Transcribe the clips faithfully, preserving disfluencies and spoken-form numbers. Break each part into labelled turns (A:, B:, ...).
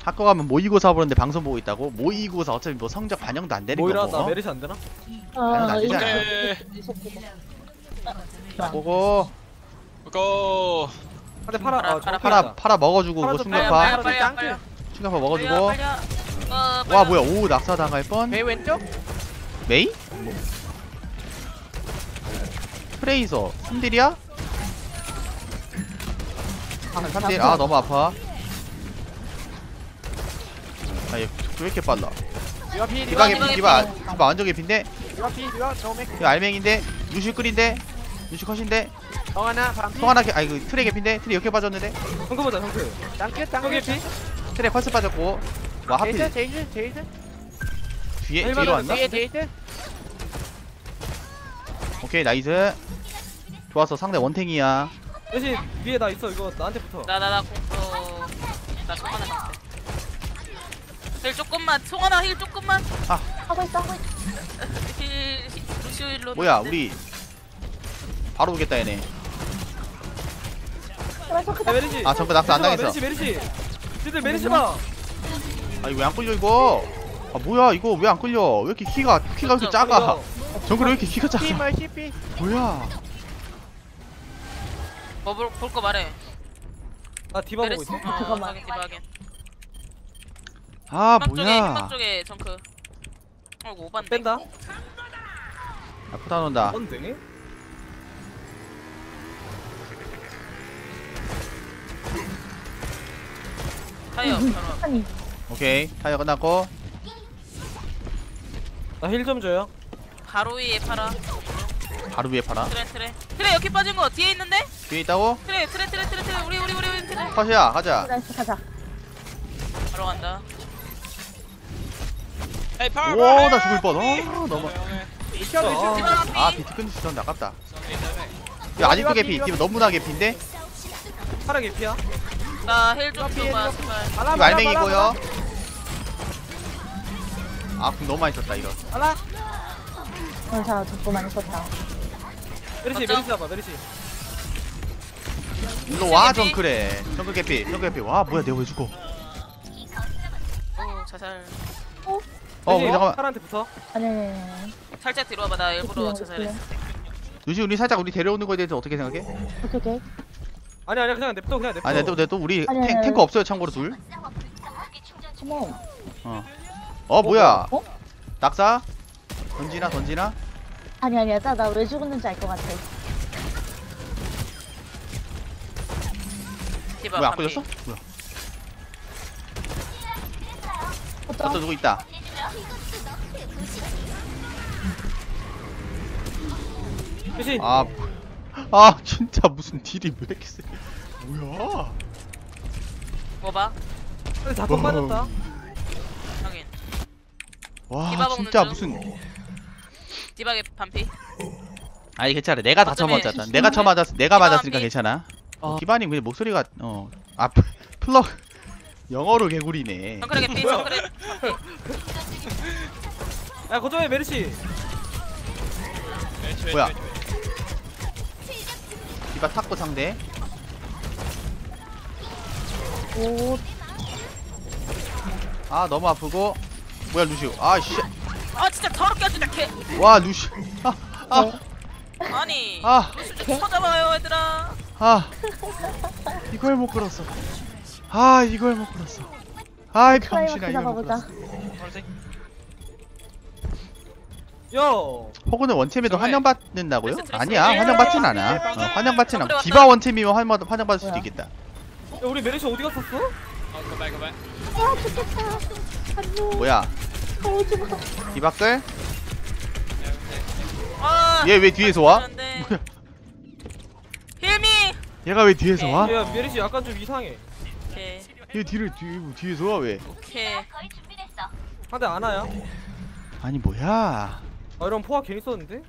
A: 학교 가면 모의고사 보는데 방송 보고 있다고? 모의고사 어차피 뭐 성적 반영도 안 되는
B: 모이라
A: 거고.
B: 나 메르시 안 되나?
A: 당연히 안 되잖아. 보고
C: 고.
B: 근데 파라 아
D: 파라,
A: 파라 파라 먹어주고
B: 파라
A: 그
B: 좀
A: 충격파
B: 빨리,
D: 빨리
B: 짱
D: 빨리
A: 충격파 먹어주고.
D: 빨리 어,
A: 와 뭐야 오 낙사 당할 뻔.
B: 배 왼쪽?
A: 메이? 뭐. 프레이서 삼 딜이야? 삼 딜 아 너무 아파. 아 얘 왜 이렇게 빨라?
B: 디바 피
A: 디바
B: 디바
A: 개피 디바 디바 완전 개피인데?
B: 디바 피 디바 정맥
A: 이거 알맹인데? 루시 끌인데? 루시 컷인데?
B: 정 하나 반피
A: 송 하나 개, 아 이거 트레 개피인데? 트레 이렇게 빠졌는데?
B: 성크 보자 성크 짱끝 짱끝 피
A: 트레 펄스 빠졌고 와 하필
B: 제이스 제이스 제이스
A: 뒤에 뒤로 왔나?
B: 뒤에 제이스
A: 오케이 나이스. 좋았어 상대 원탱이야.
B: 대신 위에 나 있어 이거 나한테 붙어
D: 나나나 공포 나 송하나 방패 힐 조금만 송하나 힐 조금만
E: 하고 있어 하고 있어.
D: 힐 루시오 힐로
A: 뭐야 우리 바로 오겠다 얘네.
E: 제발
B: 야
E: 소크다.
B: 메르시
A: 아 정크 낙사 안 당했어.
B: 메르시 메르시 쟤들 메르시 봐
A: 아 이거 왜 안 끌려 이거? 아 뭐야 이거 왜 안 끌려? 왜 이렇게 키가 키가 이렇게 작아? 정글 왜 이렇게 키가 작아?
B: C말 씨피
A: 뭐야?
D: 뭐볼거 말해
B: 나 디바 보고 있어
D: 어,
E: 잠깐만.
D: 확인 디바 확인
A: 아
D: 희망 쪽에 희망
A: 뭐야?
D: 쪽에 정크 어이구 오반데
B: 뺀다
A: 아프다 논다.
B: 언데?
D: 타이어 바로
E: 아니
A: 오케이 타이어 끝났고
B: 나 힐 좀 줘요
D: 바로 위에 팔아
A: 바로 위에 파라.
D: 트레 트레 트레 여기 빠진 거 뒤에 있는데
A: 뒤에 있다고?
D: 트레 트레 트레 트레 트레 우리 우리 우리 우리 트레
A: 컷이야 가자.
E: 나이스 가자.
D: 바로 간다
C: 에이 파라.
A: 오나 죽을 뻔. 어 너무.
B: 미쳐 미쳐
D: 디바
A: 아
D: 앞이
A: 비트 끊을 수 있었는데 아깝다. 야 아직도 개피. 디바 너무나 개피인데?
B: 파라 개피야
D: 나힐 좀 줘봐 제발
A: 이거 알맹이고요. 아 궁 너무 많이 썼다 이거.
B: 알라
E: 전사 적고 많이 썼다.
B: 메르시
D: 어쩜?
B: 메르시 잡아 메르시
A: 일로 와
D: 개피?
A: 정크래. 정크 개피. 정크 개피. 와 뭐야 내가 왜 죽어?
D: 오 자살
A: 어
B: 메르시
A: 우리 잠깐만.
B: 파라한테 붙어
E: 아니 아니 아니.
D: 살짝 뒤로 와봐 나 일부러 자살했어
A: 루시 우리 살짝 우리 데려오는 거에 대해서 어떻게 생각해?
E: 오케이 오케이.
B: 아니 아니 그냥 냅둬 그냥 냅둬
A: 아니 또 또 우리
E: 아니,
A: 탱,
E: 아니,
A: 탱커
E: 아니.
A: 없어요 참고로 둘.
E: 치모.
A: 어 뭐야?
E: 어?
A: 낙사? 던지나 던지나?
E: 아니 아니야. 나 왜 죽었는지 알 것 같아.
D: 디바
A: 뭐야 안
D: 반피.
A: 걸렸어? 뭐야?
E: 어떤?
A: 또 누구 있다?
B: 메르시
A: 아, 아 진짜 무슨 딜이 왜 이렇게 세? 뭐야?
D: 뭐봐
B: 자폭 빠졌다
D: 확인
A: 와
D: 디바 먹는
A: 진짜
D: 중.
A: 무슨?
D: 디바게 반피
A: 아니 괜찮아. 내가 다
D: 어쩌면
A: 쳐맞았다. 내가 쳐맞았. 내가
D: 디바
A: 맞았으니까
D: 한 비.
A: 괜찮아.
B: 아.
A: 기반님 근데 목소리가 어아 플러 영어로 개구리네.
D: 정크레 개피
B: 뭐야?
D: 정크레
B: 야 거점에 메르시
A: 뭐야? 디바 탁구 상대.
E: 오.
A: 아 너무 아프고. 뭐야 루시오. 아씨.
D: 아 진짜 더럽게 하지 않게
A: 와 루시. 아 아.
E: 네.
D: 아니
A: 아.
D: 좀 쳐잡아요 얘들아
A: 아 이걸 못 끌었어. 아 이걸 못 끌었어. 아이 병신아
E: 클라이막스
A: 이걸 못
E: 잡아보자.
A: 끌었어.
B: 요
A: 호구는 원챔에도
C: 정말.
A: 환영받는다고요?
D: 그래서 드레스
A: 아니야
D: 드레스
A: 환영받진
B: 드레스
A: 않아.
B: 드레스
A: 어, 환영받진 않아.
D: 드레스
A: 디바 원챔이면 환영 환영받을 수도
E: 뭐야?
A: 있겠다.
B: 야, 우리 메르시 어디 갔었어?
C: 어, 그만 그만.
E: 아 죽겠다. 안녕.
A: 뭐야?
E: 오지 마.
A: 디바 끌?
D: 아
A: 얘 왜 뒤에서 와?
D: 안돼
A: 뭐야?
D: 힐미
A: 얘가 왜 뒤에서 와?
B: 야 메르시 약간 좀 이상해
D: 오케이
A: 얘 뒤를 뒤 뒤에서 와 왜?
D: 오케이
B: 한대 안 와야
A: 아니 뭐야?
B: 아 이런 포화 괜히 썼는데?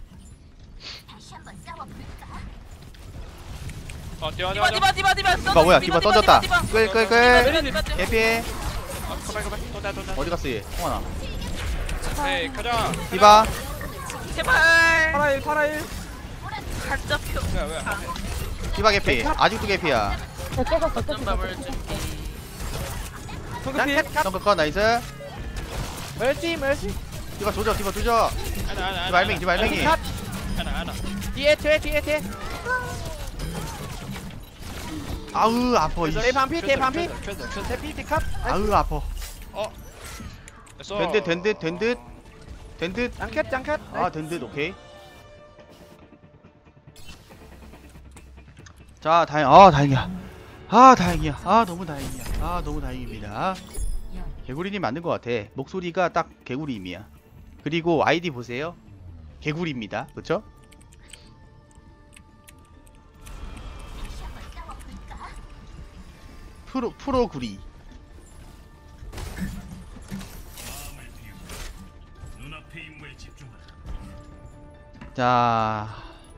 C: 어 뛰어 뛰어
D: 디바
C: 뛰어.
D: 디바 디바 디바
A: 디바 뭐야? 디바 던졌다.
D: 디바
A: 끌 끌
D: 디바
A: 끌.
D: 디바 디바
A: 개피해.
C: 어 그만 그만. 또다 또다.
A: 어디 갔어 얘? 홍원아.
C: 에이 가자.
A: 디바.
D: 제발
B: 파라일 파라일
D: 갈 잡혀
C: 뭐야 뭐야.
A: 디바 개피. 아직도 개피야.
E: 저 깨졌어
D: 어떤
E: 깨졌어.
D: 밥을 준비
B: 정크 피.
A: 정크 컷 나이스.
F: 멸지 멸지.
A: 디바 조져 디바 조져.
C: 하나 하나
A: 디바 알맹이 디바 알맹이.
F: 컷.
C: 하나 하나
F: 뒤에 뒤에 뒤에 뒤에.
A: 아우 아파 이씨.
F: 내 반피 내 반피.
C: 큐드 큐드
F: 내 피티 컷.
A: 아우 아파.
C: 됐어
A: 된듯 된듯 된듯 된듯.
F: 짱캣 짱캣.
A: 아 된듯 오케이. 자 다행 아 다행이야. 아 다행이야. 아 너무 다행이야. 아 너무 다행입니다. 개구리님 맞는 것 같아. 목소리가 딱 개구리임이야. 그리고 아이디 보세요. 개구리입니다. 그쵸? 프로 프로구리. 자,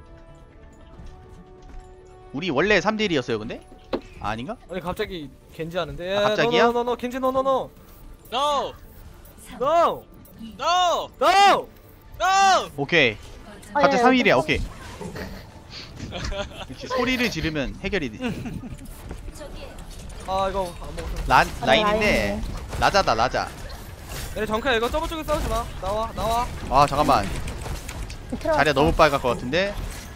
A: 우리 원래 삼 대 일이었어요, 근데? 아, 아닌가?
B: 아니 갑자기 겐지 하는데.
A: 아, 갑자기야?
B: 노노노노 겐지 노노노.
C: No
B: 노.
C: No
B: 노.
C: No
A: 오케이.
E: 아,
A: 갑자기
E: 예,
A: 삼 일이야, 오케이. 이렇게 소리를 지르면 해결이 돼.
B: 아 이거 안 먹었어.
A: 란,
E: 아,
A: 라인인데, 라자다, 라자.
B: 얘네 정크야 이거 저번 쪽에 싸우지 마. 나와 나와.
A: 아, 잠깐만.
E: 들어갔어.
A: 자리가 너무 빨갈 것 같은데?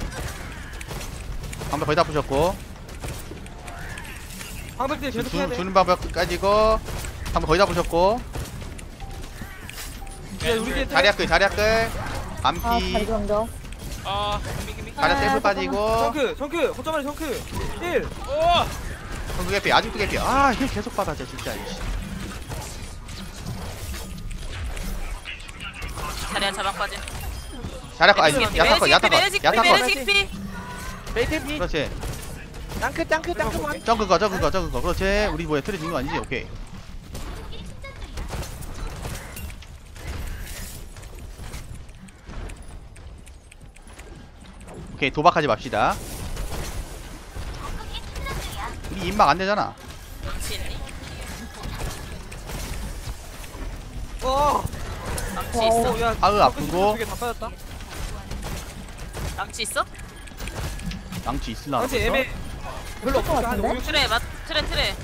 A: 방벽 거의 다 부셨고.
B: 방백들
A: 주,
B: 계속 해야
A: 주,
B: 돼.
A: 주는 방벽까지 고 방벽 거의 다 부셨고.
B: 야, 우리 뒤에
A: 자리야 끌, 자리야 끌.
E: 아, 다리
A: 암피.
E: 정도.
C: 아 기미 기미
A: 자리야
E: 아,
A: 셀프
E: 잠깐만.
A: 빠지고.
B: 정크 정크 호점만에 정크. 일.
C: 오
A: 정크 개피, 아직도 개피. 아, 힐 계속 받아, 진짜. 이씨.
D: 자리야 자방 빠짐.
A: 자리야 거, 아니, 야타 거, 야타 거, 야타 거.
D: 메르시 피.
F: 베이트 피.
A: 그렇지.
F: 짱크 짱크 짱크 원.
A: 점크 거, 점크 거, 점크 거. 그렇지. 우리 뭐야, 틀에 준거 아니지? 오케이. 오케이, 도박하지 맙시다. 우리 임막 안 되잖아.
D: 망치 있니?
B: 어.
D: 망치
E: 와,
D: 있어?
B: 어, 야,
A: 아으,
B: 정크
A: 아프고.
B: 두개다 빠졌다.
D: 망치 있어?
A: 망치 있을라.
B: 망치 애매. 별로 없어. 한
E: 같은데?
B: 오, 육.
D: 트레 맞 트레 트레.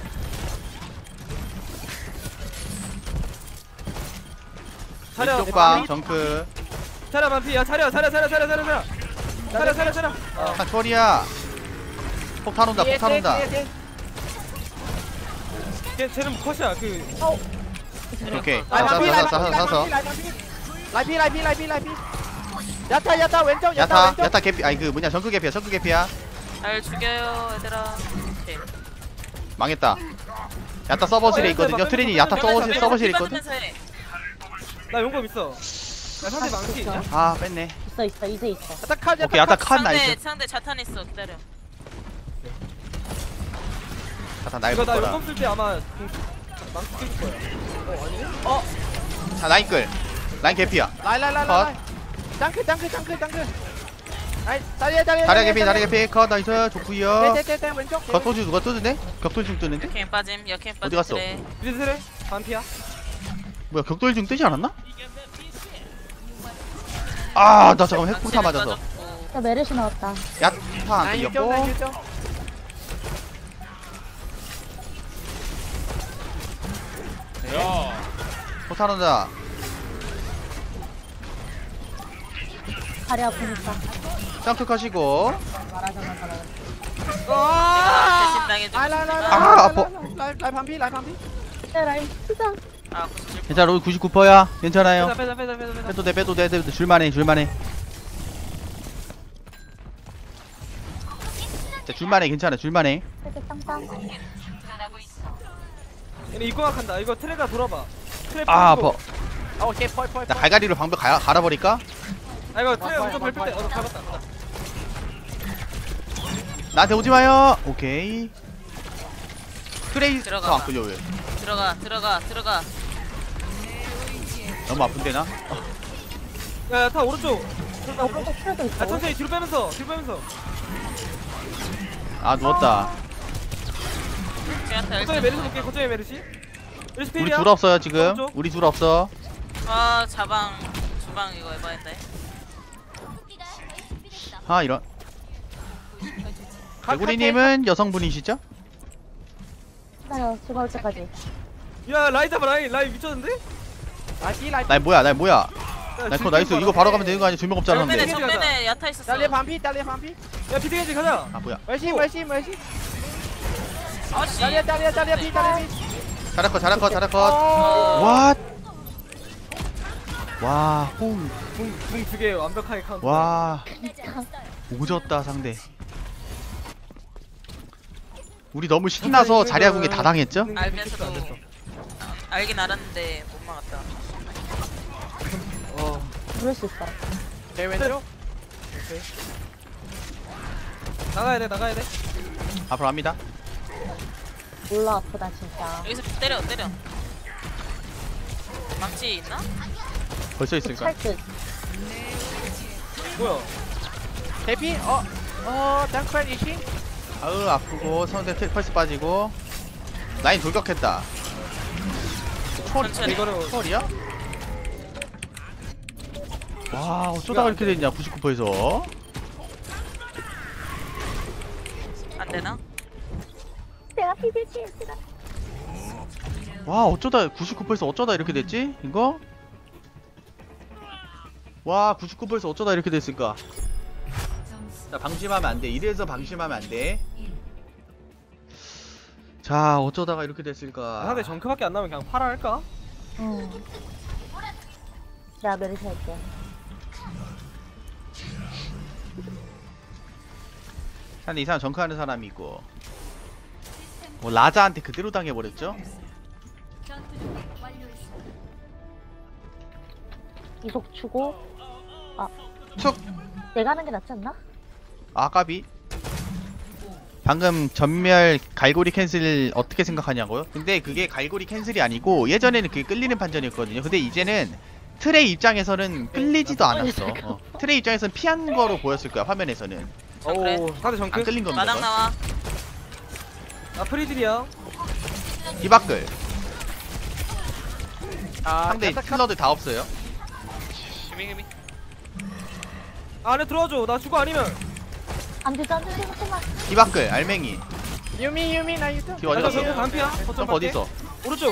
B: 차려.
A: 왼쪽 방, 정크.
B: 차려 반피. 야 차려 차려 차려 차려 차려 차려. 차려 차려 차려. 어.
A: 아, 초리야. 폭탄 온다,
F: 뒤에
A: 폭탄
F: 뒤에
A: 온다.
F: 뒤에 뒤에.
B: 걔 쟤는 컷이야. 그
A: 오케이.
F: 라이
A: 싸서,
F: 반피
A: 싸서,
F: 라이
A: 싸서, 싸서.
F: 반피 라이 반피. 라이피 라이피 라이피 라이피. 야타 야타 왼쪽 야타
A: 야타,
F: 왼쪽.
A: 야타 개피. 아니, 그 뭐냐, 정크 개피야, 정크 개피야.
D: 날 죽여요 얘들아. 오케이.
A: 망했다. 야타 서버실에 있거든요. 트레니 야타 서버실, 서버실에 있거든.
D: 빠지면서 해.
B: 나 용감 있어. 야 상대 망치 있냐?
A: 아, 뺐네.
E: 있어, 있어, 이제 있어.
F: 야타 컷
A: 오케이, 야타 칸
D: 상대
A: 나이스.
D: 상대 자탄 있어. 기다려.
A: 야타 날
B: 이거 나
A: 먹거라.
B: 용감 쓸 때 아마 공- 망치 껴줄 거야. 어 아니네?
A: 자, 라인 끌. 라인 개피야.
F: 라이 라이 라이
A: 컷.
F: 라이. 짱크 짱크 짱크 짱크. 아이 다리에 다리에.
A: 다리야 개피, 다리야 개피. 컷, 나이스. 좋구요.
F: 네네네 왼쪽.
A: 겉도주 누가 뜨는데? 격돌중 뜨는데?
D: 여캠 빠짐. 여캠 빠짐.
A: 어디 갔어?
D: 트레.
B: 유진 트레 반피야.
A: 뭐야, 격돌중 뜨지 않았나? 아, 나 잠깐만 핵폭탄
D: 망치는
A: 맞아서.
D: 빠졌고.
E: 야, 메르시 나왔다.
A: 야타 안
F: 라인 유정
A: 끌렸고.
F: 라인 유정.
C: 야
A: 폭탄 온다.
E: 다리 아프니까.
A: 점프 컷이고.
E: 말하자면 말하자.
F: 아.
D: 대신 당해주고
F: 라이 라이 라이
D: 싶지만.
A: 아, 아파.
F: 라이 라이 반피 라이 반피.
E: 야, 라인, 진짜.
D: 아 구십칠.
A: 괜찮아, 우리 구십구 퍼센트야. 괜찮아요.
B: 빼자 빼자 빼자 빼자 빼자.
A: 빼도 돼, 빼도 돼, 빼도 돼. 줄만해, 줄만해. 자, 줄만해, 괜찮아, 줄만해.
E: 이렇게 땅땅.
B: 얘네 입고막 한다. 이거 트레가 돌아봐. 트레
A: 아,
B: 뿌리고.
A: 아파.
F: 어, 오케이 펄 펄.
A: 나 갈갈이로 방벽 가, 갈아버릴까?
B: 아 이거 트레
F: 와,
B: 우선
F: 와,
B: 밟을 때.
F: 와,
B: 어 잡았다. 잡았다.
A: 나한테 오지 마요. 오케이. 트레이서
D: 들어가.
A: 안 끌려 왜?
D: 들어가 들어가 들어가.
A: 너무 아픈데 나?
B: 야야 타 오른쪽.
E: 나 오른쪽 틀어도
B: 아
E: 있어.
B: 천천히 뒤로 빼면서 뒤로 빼면서.
A: 아 누웠다.
D: 제한테
B: 거점에 메르시 볼게. 거점에 메르시. 메르시
A: 우리
B: 필이야.
A: 둘 없어요 지금.
B: 오른쪽.
A: 우리 둘 없어.
D: 아 자방 주방 이거 해봐야돼.
A: 아 이런. 개구리님은 여성분이시죠?
E: 기다려, 죽어올 때까지.
B: 야 라인 잡아 라인 라인 미쳤는데?
F: 라이피 라이피.
A: 나 뭐야 나 뭐야
B: 야,
A: 나 그거
B: 질풍
A: 나이스
B: 봐라.
A: 이거 바로 가면 되는 거 아니야? 두 명 없잖아
D: 정면에
A: 근데
B: 근데.
D: 정면에 야타 있었어.
F: 딸려 반피 딸려 반피.
B: 야 비트겐지 가자.
A: 아 뭐야
F: 멀시 멀시 멀시.
D: 아씨.
F: 딸려 딸려 딸려 피 딸려 피.
A: 잘할 것 잘할 것 잘할 것
F: 어.
A: 와. 와, 홈.
B: 궁두개 완벽하게 카운트.
A: 와. 오졌다 상대. 우리 너무 신나서 자리아 궁에 다 당했죠?
D: 알면서도
B: 안 됐어.
D: 알긴 알았는데 못 막았다.
B: 어.
E: 그럴 수 있어.
F: 제 왼쪽.
B: 나가야 돼 나가야 돼.
A: 앞으로 합니다.
E: 몰라 아프다 진짜.
D: 여기서 때려 때려. 망치 있나?
A: 벌써 있을까?
E: 찰듯.
B: 뭐야?
F: 대피 어. 어 장크팔 이시.
A: 아으 아프고 상대 텔 펄스 빠지고 라인 돌격했다.
D: 천천히.
B: 이거를
A: 털이야? 와 어쩌다가 이렇게 됐냐 구십구 퍼센트에서.
D: 안 되나?
E: 내가 비빌게 얘들아.
A: 와 어쩌다 구십구 퍼센트에서 어쩌다 이렇게 됐지? 이거? 와 구십구 퍼센트 어쩌다 이렇게 됐을까? 자 방심하면 안돼. 이래서 방심하면 안돼. 자 어쩌다가 이렇게 됐을까?
B: 상대 정크밖에 안 나면 그냥 팔아 할까?
E: 응. 내가 메리시 할게.
A: 근데 이 사람 정크하는 사람이 있고 뭐 라자한테 그대로 당해버렸죠?
E: 이속 주고. 아.
A: 툭!
E: 내가 하는 게 낫지 않나?
A: 아까비 방금 전멸 갈고리 캔슬 어떻게 생각하냐고요? 근데 그게 갈고리 캔슬이 아니고 예전에는 그게 끌리는 판정이었거든요. 근데 이제는 트레이 입장에서는 끌리지도 않았어. 어. 트레이 입장에서는 피한 거로 보였을 거야 화면에서는.
D: 정크래.
B: 오 상대
A: 안
B: 정크.
A: 끌린 겁니다.
D: 마당 나와.
B: 나 프리딜이야.
A: 디바클
F: 아
A: 상대
F: 야타 카-
A: 킬러들 다 없어요.
C: Gimme, gimme.
B: 안에 들어와줘. 나 죽어 아니면.
E: 안 되지 안 되지 잠깐만.
A: 디바클 알맹이
F: 유미 유미 나 유튜브.
A: 뒤 어디
B: 나
A: 갔어?
B: 정크 반피야. 거점
A: 점프 어디
B: 밖에.
A: 있어?
B: 오른쪽.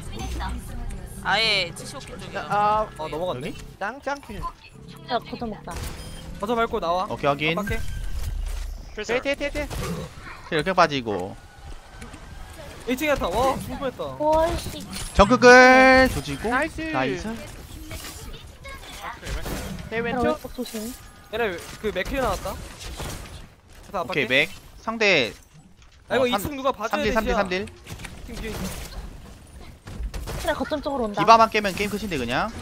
D: 아예 칠십오 킬 쪽이야.
F: 아
B: 어 넘어갔네.
A: 여기?
F: 짱짱.
E: 야 거점 먹자.
B: 거점 밟고 나와.
A: 오케이 확인.
B: 밖에.
C: Freezer.
F: 대대대대.
A: 이렇게 빠지고
B: 일 층에 타. 와 죽을 뻔했다.
E: 오이씨.
A: 정크글 조지고
F: 나이스.
A: 나이스.
F: 제
E: 야,
F: 왼쪽.
E: 왼쪽 조심.
B: 얘네 그 맥힐 나왔다. 자,
A: 오케이
B: 밖에.
A: 맥 상대
B: 아 이거
A: 어,
B: 이승 누가 봐줘야 돼.
A: 삼 대 삼 대 삼 대
B: 팀 뒤에 있어.
E: 그래 거점 쪽으로 온다.
A: 디바만 깨면 게임 끝인데 그냥.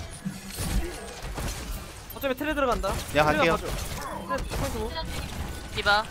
B: 어차피 텔레 들어간다.
A: 내가
B: 텔레가
A: 갈게요.
B: 봐줘. 텔레 포인트.
D: 디바.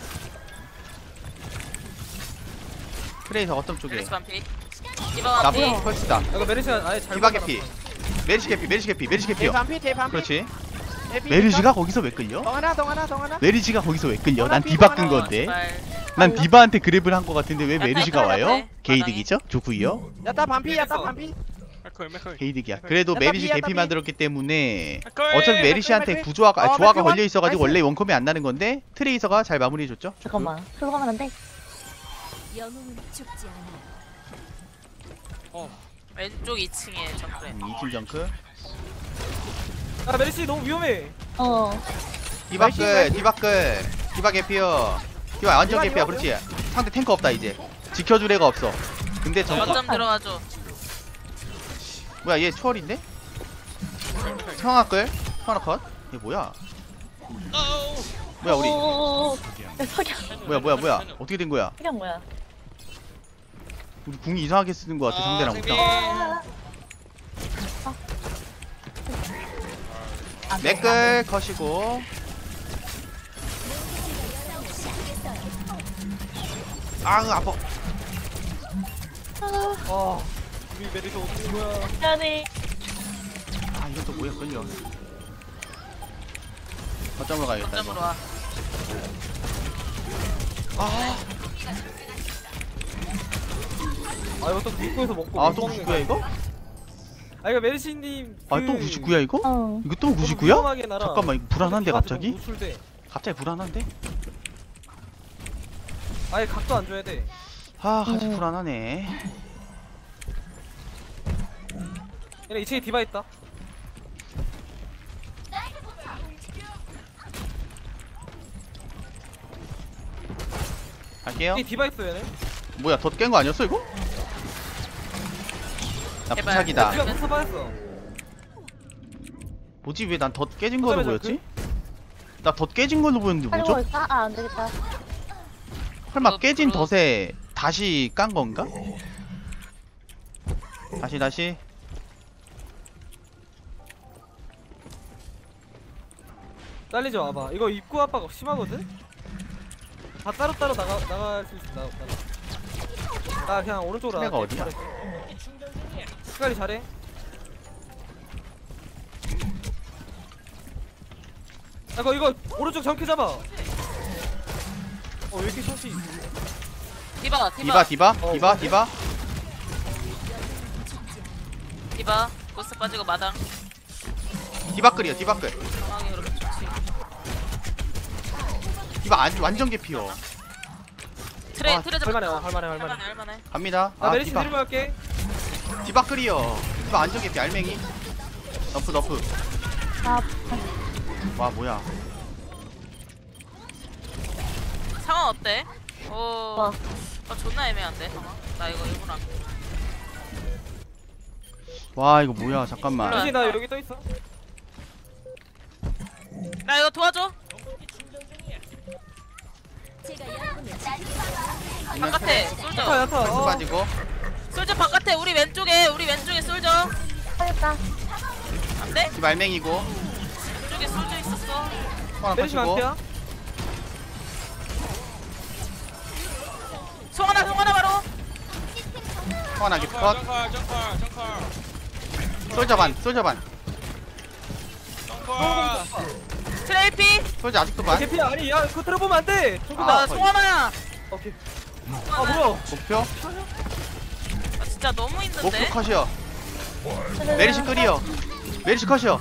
A: 트레이서 어떤 쪽에?
D: 메리스 반피. 디바
A: 나
D: 반피.
A: 펄스다.
B: 이거 메리시가 아예 잘.
A: 디바
B: 받아놨어.
A: 개피. 메리시 개피. 메리시 개피. 메리시
F: 대
A: 개피요.
F: 반피 대 반피.
A: 그렇지.
F: 대피.
A: 메리시가 거기서 왜 끌려?
F: 동하나 동하나 동하나.
A: 메리시가 거기서 왜 끌려? 난
F: 어,
A: 디바 끈
F: 어,
A: 건데.
D: 제발.
A: 난 디바한테 그랩을 한 거 같은데 왜
D: 약간
A: 메리시가 와요?
D: 헷갈렸네,
A: 게이득이죠? 좋구요.
F: 야타 반피 야타
B: 됐어.
F: 반피.
C: McCoy, McCoy.
A: 게이득이야. 그래도
F: 야타
A: 메리시
F: 비, 야타
A: 개피
F: 비.
A: 만들었기 때문에
C: McCoy.
A: 어차피 메리시한테
F: 맥클,
A: 구조화가
F: 맥클.
A: 아, 조화가
F: 어,
A: 걸려 있어가지고
F: 나이스.
A: 원래 원컴이 안 나는 건데 트레이서가 잘 마무리해줬죠.
E: 잠깐만. 슬로 가면 안 돼.
D: 왼쪽 이 층에 정크래.
A: 음, 이팀 정크.
B: 아 메리시 너무 위험해.
E: 어.
A: 디바클, 디바클, 디바 개피어. 디바 완전
F: 디바,
A: 개피야.
F: 디바,
A: 그렇지. 상대 탱커 없다 이제. 지켜줄 애가 없어. 근데 정크
D: 거점 들어와줘.
A: 뭐야 얘 초월인데? 성화끌? 성화 컷? 얘 뭐야?
C: Oh!
A: 뭐야 우리?
E: 오오오오. 야 석양.
A: 뭐야 뭐야 뭐야? 어떻게 된 거야?
E: 석양 뭐야?
A: 우리 궁이 이상하게 쓰는 거 같아 상대랑
C: 아,
A: 우리랑.
E: 안 돼,
A: 맥끌 컷이고. 아으 아파.
B: 아 우리 메리시 어떻게 된 거야?
E: 미안해.
A: 아 이건 또 뭐야 끌려. 거점으로 가야겠다.
D: 거점으로
A: 이거.
D: 와.
A: 아,
B: 아 이거 또 입구에서 먹고.
A: 아또 구십구야 이거?
B: 아 이거 메리시님.
A: 아 또 구십구야 이거?
E: 어.
A: 이거 또 구십구야?
B: 위험하게 날아.
A: 잠깐만 이거 불안한데 갑자기?
B: 노출돼.
A: 갑자기 불안한데?
B: 아예 각도 안 줘야 돼.
A: 아 같이
E: 음.
A: 불안하네.
B: 얘네 이 층에 디바 있다.
A: 갈게요.
B: 여기 디바 있어 얘네.
A: 뭐야 덧 깬 거 아니었어 이거? 나
D: 제발.
A: 부착이다.
B: 디바 무사 빠졌어.
A: 뭐지 왜 난 덧 깨진 걸로
B: 어쩌면
A: 보였지? 나 덧 깨진 걸로 보였는데
E: 빨리
A: 뭐죠?
E: 먹을까? 아, 안 되겠다.
A: 설마
D: 덧
A: 깨진
D: 불어.
A: 덧에 다시 깐 건가? 다시 다시.
B: 딸리지 와봐. 이거 입구 압박 심하거든? 다 따로따로 나가, 나갈 수 있어. 나, 나. 나 그냥 오른쪽으로
A: 트레가
B: 나갈게.
A: 어디야?
B: 시간이 잘해. 아, 이거, 이거 오른쪽 정크 잡아. 어, 왜 이렇게 샷이.
D: 디바
A: 디바
D: 디바
A: 디바
B: 어,
A: 디바
B: 그래?
A: 디바.
D: 디바 고스 빠지고 마당
A: 디바 끌이요 디바 끌.
D: 상황이 그렇게 좋지.
A: 디바 안, 완전 개피요.
D: 트레
B: 아,
D: 트레 잡
B: 할만해, 할만해, 할만해.
D: 할만해 할만해.
A: 갑니다.
B: 나
A: 아
B: 메리시
A: 디바
B: 드리블 할게.
A: 디바 끌이요. 디바 완전 개피 알맹이. 너프 너프.
E: 아,
A: 와 뭐야?
D: 상황 어때? 오,
E: 와.
D: 아 존나 애매한데 상황. 나 이거 일부러 안.
A: 와 이거 뭐야? 잠깐만.
B: 메리시 나 여기 떠 있어.
D: 나 이거 도와줘. 바깥에
B: 야타,
D: 솔져.
B: 야타.
A: 스
B: 어.
A: 빠지고.
D: 솔져 바깥에 우리 왼쪽에 우리 왼쪽에 솔져.
E: 하겠다.
D: 안돼?
A: 디바 알맹이고.
D: 왼쪽에 솔져 있었어.
A: 하나
B: 메리시
A: 터치고.
B: 반피야.
D: 송하나 송하나 바로.
A: 하나 개피
C: 정컬
A: 컷.
C: 정컬 정컬 정컬
A: 솔저 반 솔저 반.
C: 정컬
D: 트레이피.
A: 솔저 아직도 반.
B: 개피야. 아니, 야, 그거 들어보면 안 돼. 조금
A: 아,
D: 아 송하나야.
B: 오케이. 아, 뭐야.
A: 목표
D: 아, 진짜 너무
A: 목표
D: 힘든데.
A: 컷이요. 메리시 끌이요. 메리시 컷이요.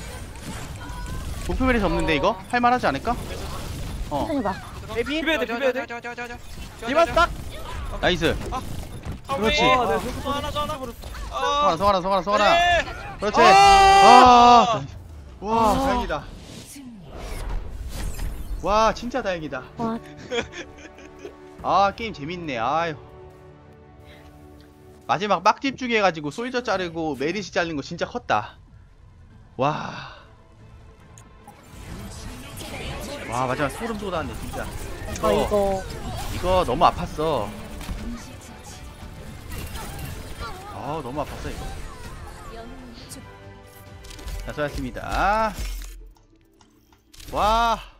A: 목표 메리시 없는데 이거 할만하지 않을까? 어
E: 천천히 봐.
F: 베이비
B: 비벼야 돼, 비벼야 돼.
F: 디바 스탁.
A: 나이스. 그렇지.
B: 아, 네, 저거 또
C: 하나 전화
A: 성하나 성하나 성하나 성하나.
C: 네.
A: 그렇지.
C: 아.
A: 아. 와 다행이다. 와 진짜 다행이다.
E: 와,
A: 아 게임 재밌네. 아유. 마지막 빡 집중해 해가지고 솔저 자르고 메리시 자르는 거 진짜 컸다. 와. 와 마지막 소름 돋았네 진짜.
E: 아,
A: 이거
E: 이거.
A: 이거 너무 아팠어. 아 너무 아팠어 이거. 자 수고하셨습니다. 와.